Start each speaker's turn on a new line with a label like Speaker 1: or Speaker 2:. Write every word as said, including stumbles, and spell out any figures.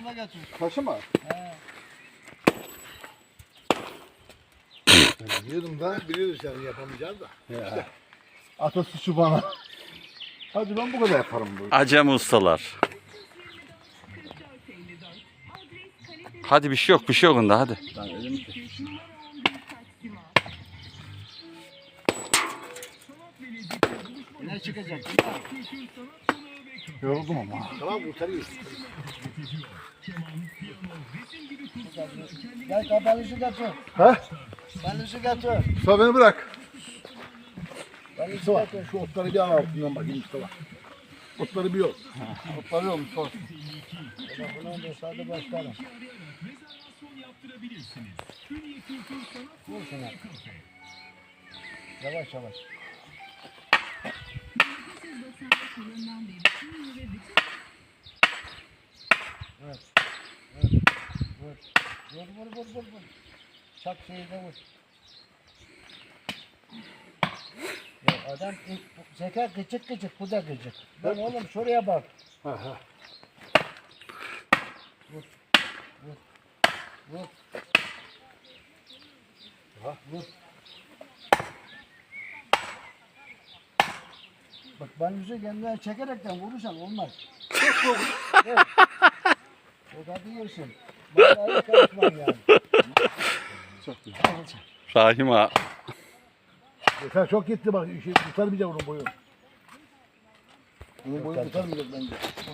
Speaker 1: yanıma götür.
Speaker 2: Taşı mı?
Speaker 1: He.
Speaker 2: Biliyordum da biliyoruz yani yapamayacağız da.
Speaker 3: Ya.
Speaker 2: Ata suçu bana. Hadi ben bu kadar yaparım bu.
Speaker 3: Acem ustalar. Hadi bir şey yok, bir şey yok onda hadi.
Speaker 2: Lan elim ki.
Speaker 1: Ne çıkacak?
Speaker 2: Yoruldum ama. Tamam kurtarıyoruz.
Speaker 1: Gel kabalışı götür.
Speaker 2: Ha?
Speaker 1: Balışı götür.
Speaker 2: Mustafa beni bırak.
Speaker 1: Balışı
Speaker 2: Mustafa
Speaker 1: götür.
Speaker 2: şu otları bir al altından bakayım Mustafa. Otları bir yol. Otları yol Mustafa.
Speaker 1: Bunu da sade başlarım. Vur şuna. Yavaş yavaş. Evet. Evet. Vur. Vur vur vur vur vur. Çak şeyi de vur. Ya adam zeka gıcık gıcık, bu da gıcık. Ben oğlum şuraya bak.
Speaker 2: Ha ha.
Speaker 1: Vur. Vur. Vur.
Speaker 2: Ha.
Speaker 1: Vur. Bak ben yüzü kendinden çekerekten vurursan olmaz. Çok çok. Evet. O da diyorsun. Vallahi karışmam yani.
Speaker 2: Çok güzel.
Speaker 3: Rahim ağa.
Speaker 2: Yeter çok gitti bak. Şey, tutarmayacak onun boyu. Onun boyu tutarmayacak bence.